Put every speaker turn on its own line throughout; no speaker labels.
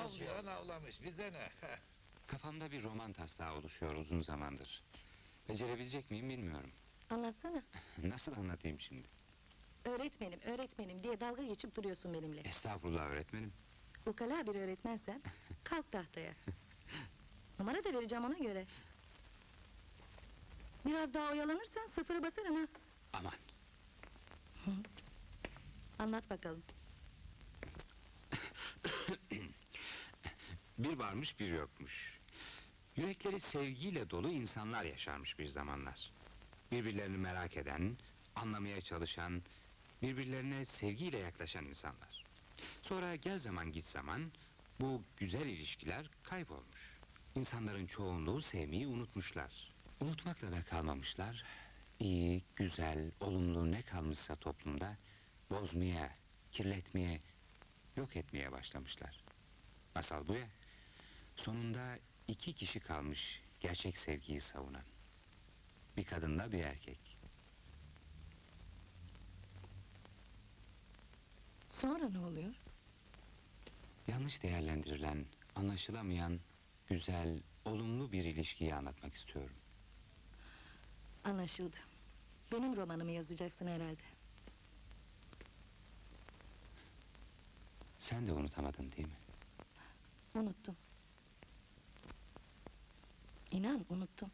Avlayan avlamış, bize ne?
Kafamda bir roman taslağı oluşuyor uzun zamandır. Becerebilecek miyim bilmiyorum.
Anlatsana.
Nasıl anlatayım şimdi?
Öğretmenim, öğretmenim diye dalga geçip duruyorsun benimle.
Estağfurullah öğretmenim.
Ukala bir öğretmensen, kalk tahtaya. Numara da vereceğim ona göre. Biraz daha oyalanırsan sıfırı basarım ha.
Aman.
Anlat bakalım.
Bir varmış bir yokmuş. Yürekleri sevgiyle dolu insanlar yaşarmış bir zamanlar. Birbirlerini merak eden, anlamaya çalışan, birbirlerine sevgiyle yaklaşan insanlar. Sonra gel zaman git zaman bu güzel ilişkiler kaybolmuş. İnsanların çoğunluğu sevmeyi unutmuşlar. Unutmakla da kalmamışlar. İyi, güzel, olumlu ne kalmışsa toplumda bozmaya, kirletmeye, yok etmeye başlamışlar. Masal bu ya. Sonunda 2 kişi kalmış gerçek sevgiyi savunan. Bir kadınla bir erkek.
Sonra ne oluyor?
Yanlış değerlendirilen, anlaşılamayan, güzel, olumlu bir ilişkiyi anlatmak istiyorum.
Anlaşıldı. Benim romanımı yazacaksın herhalde.
Sen de unutamadın değil mi?
Unuttum. İnan unuttum.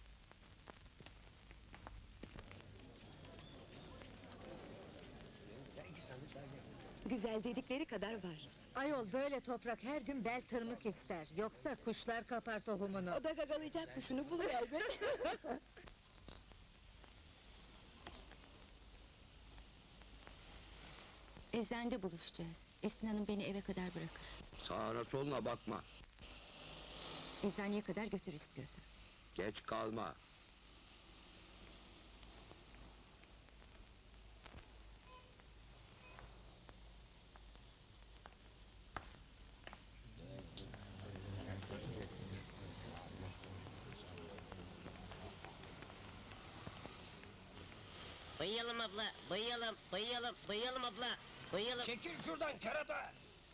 Güzel dedikleri kadar var.
Ayol böyle toprak her gün bel tırmık ister. Yoksa kuşlar kapar tohumunu.
O da gagalayacak kuşunu buluyor elbet. Eczanede buluşacağız. Esin Hanım beni eve kadar bırakır.
Sağına soluna bakma.
Eczaneye kadar götür istiyorsan.
Geç kalma.
Bayıyalım abla, bayıyalım, bayıyalım, bayıyalım abla, bayıyalım.
Çekil şuradan kerata!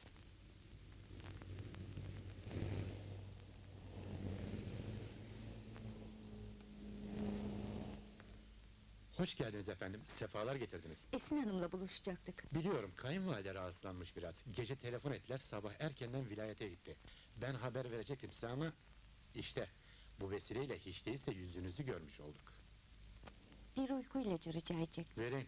Hoş geldiniz efendim, sefalar getirdiniz.
Esin Hanım'la buluşacaktık.
Biliyorum, kayınvalide rahatsızlanmış biraz. Gece telefon ettiler, sabah erkenden vilayete gitti. Ben haber verecektim size ama... işte, bu vesileyle hiç değilse yüzünüzü görmüş olduk.
Bir uyku ilacı rica edecek.
Vereyim.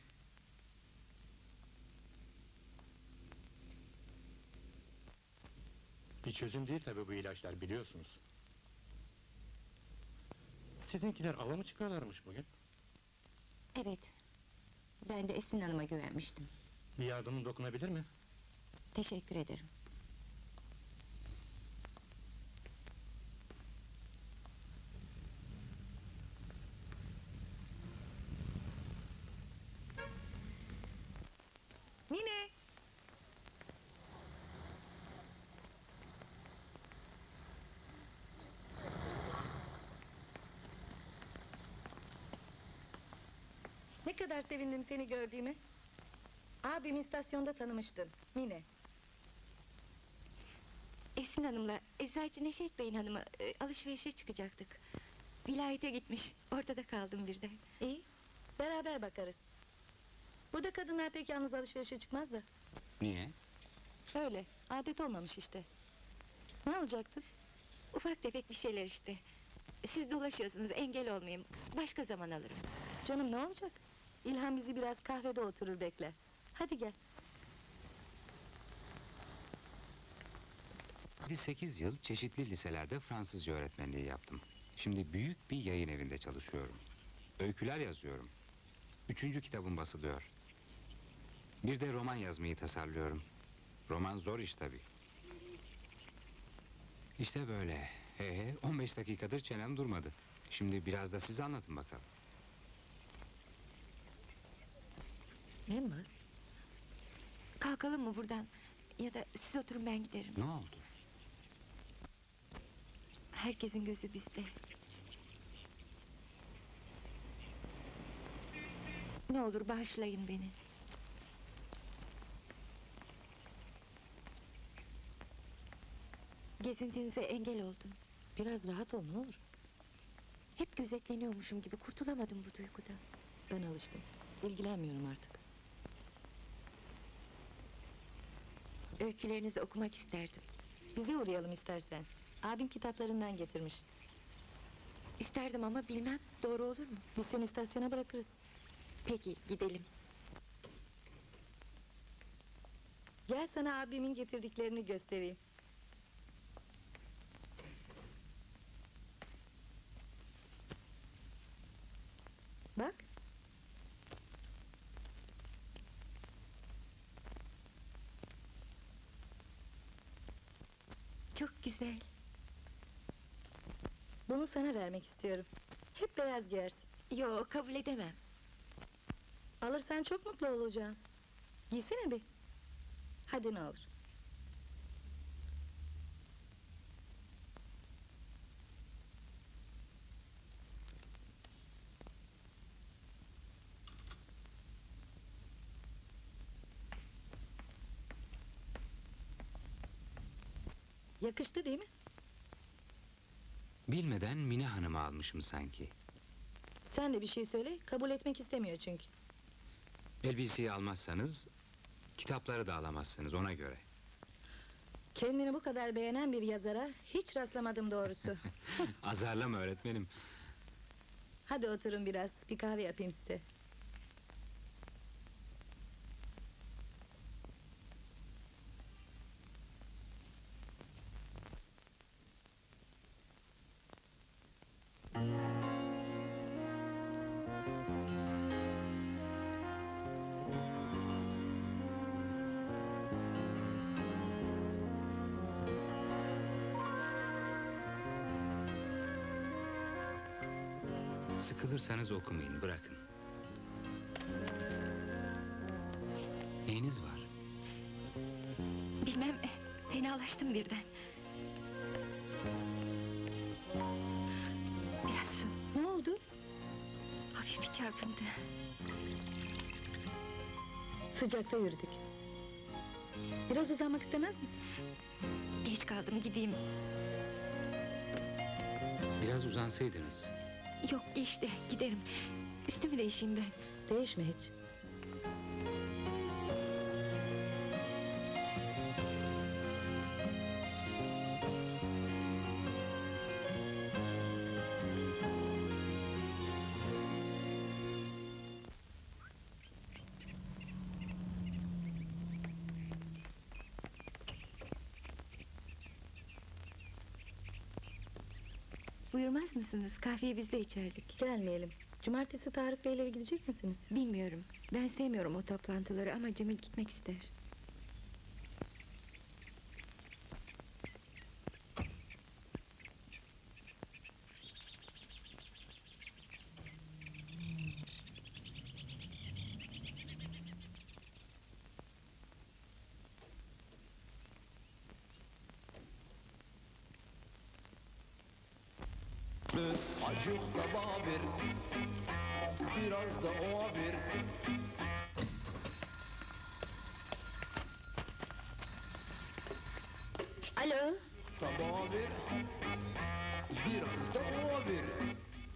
Bir çözüm değil tabii bu ilaçlar, biliyorsunuz. Sizinkiler ava mı çıkarlarmış bugün?
Evet. Ben de Esin Hanım'a güvenmiştim.
Bir yardımım dokunabilir mi?
Teşekkür ederim.
Mine! Ne kadar sevindim seni gördüğüme. Abim istasyonda tanımıştın, Mine.
Esin Hanım'la Eczacı Neşet Bey'in hanımı alışverişe çıkacaktık. Vilayete gitmiş, orada da kaldım birden.
İyi, beraber bakarız. Burada kadınlar pek yalnız alışverişe çıkmaz da.
Niye?
Öyle, adet olmamış işte. Ne alacaktın?
Ufak tefek bir şeyler işte. Siz dolaşıyorsunuz, engel olmayayım. Başka zaman alırım.
Canım ne olacak? İlhan bizi biraz kahvede oturur bekler. Hadi gel.
8 yıl çeşitli liselerde Fransızca öğretmenliği yaptım. Şimdi büyük bir yayın evinde çalışıyorum. Öyküler yazıyorum. 3. kitabım basılıyor. Bir de roman yazmayı tasarlıyorum. Roman zor iş tabii. İşte böyle. 15 dakikadır çenem durmadı. Şimdi biraz da siz anlatın bakalım.
Ne var?
Kalkalım mı buradan? Ya da siz oturun, ben giderim.
Ne oldu?
Herkesin gözü bizde. Ne olur bağışlayın beni. Gezintinize engel oldum.
Biraz rahat ol ne olur.
Hep gözetleniyormuşum gibi kurtulamadım bu duygudan.
Ben alıştım. İlgilenmiyorum artık.
Öykülerinizi okumak isterdim.
Bize uğrayalım istersen. Abim kitaplarından getirmiş.
İsterdim ama bilmem doğru olur mu?
Biz seni istasyona bırakırız.
Peki gidelim.
Gel sana abimin getirdiklerini göstereyim. Bak.
Çok güzel.
Bunu sana vermek istiyorum. Hep beyaz giyersin.
Yo, kabul edemem.
Alırsan çok mutlu olacağım. Giysene bir. Hadi ne olur. Yakıştı değil mi?
Bilmeden Mine Hanım'ı almışım sanki.
Sen de bir şey söyle, kabul etmek istemiyor çünkü.
Elbiseyi almazsanız kitapları da alamazsınız ona göre.
Kendini bu kadar beğenen bir yazara hiç rastlamadım doğrusu.
Azarlama öğretmenim.
Hadi oturun biraz, bir kahve yapayım size.
Sıkılırsanız okumayın, bırakın. Neyiniz var?
Bilmem, fenalaştım birden. Biraz su,
Ne oldu?
hafif bir çarpıntı.
Sıcakta yürüdük. Biraz uzanmak istemez misin?
Geç kaldım, gideyim.
Biraz uzansaydınız.
Yok, geçti, giderim. Üstümü değişeyim ben.
Değişme hiç.
Buyurmaz mısınız? Kahveyi biz de içerdik.
Gelmeyelim. Cumartesi Tarık Beylere gidecek misiniz?
Bilmiyorum. Ben sevmiyorum o toplantıları ama Cemil gitmek ister.
Acık da babir, biraz da o bir.
Alo.
Da bir, biraz da o bir.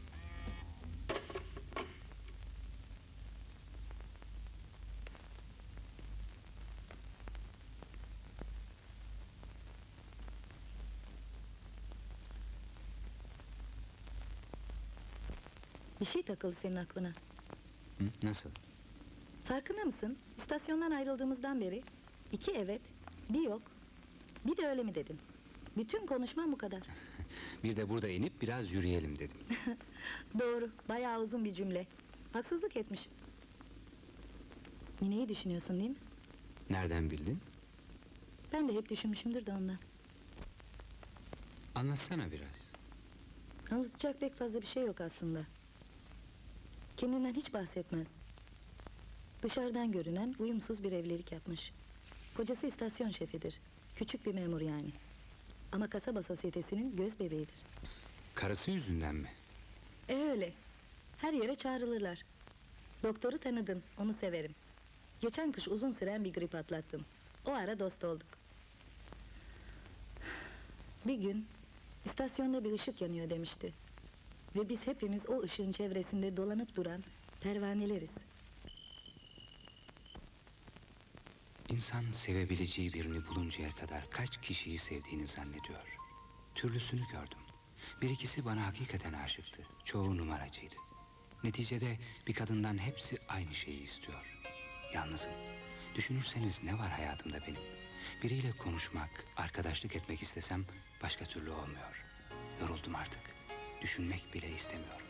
Bir şey takıldı senin aklına.
Hı? Nasıl?
Farkında mısın? İstasyondan ayrıldığımızdan beri 2 evet, bir yok, bir de öyle mi dedin? Bütün konuşmam bu kadar.
Bir de burada inip biraz yürüyelim dedim.
Doğru, bayağı uzun bir cümle. Haksızlık etmişim. Mine'yi düşünüyorsun değil mi?
Nereden bildin?
Ben de hep düşünmüşümdür de ondan.
Anlatsana biraz.
Anlatacak pek fazla bir şey yok aslında. Kendinden hiç bahsetmez. Dışarıdan görünen uyumsuz bir evlilik yapmış. Kocası istasyon şefidir. Küçük bir memur yani. Ama kasaba sosyetesinin göz bebeğidir.
Karısı yüzünden mi?
Öyle. Her yere çağrılırlar. Doktoru tanıdın, onu severim. Geçen kış uzun süren bir grip atlattım. O ara dost olduk. Bir gün istasyonda bir ışık yanıyor demişti. Ve biz hepimiz o ışığın çevresinde dolanıp duran pervaneleriz.
İnsan sevebileceği birini buluncaya kadar kaç kişiyi sevdiğini zannediyor. Türlüsünü gördüm. Bir ikisi bana hakikaten aşıktı. Çoğu numaracıydı. Neticede bir kadından hepsi aynı şeyi istiyor. Yalnızım. Düşünürseniz ne var hayatımda benim? Biriyle konuşmak, arkadaşlık etmek istesem başka türlü olmuyor. Yoruldum artık. Düşünmek bile istemiyorum.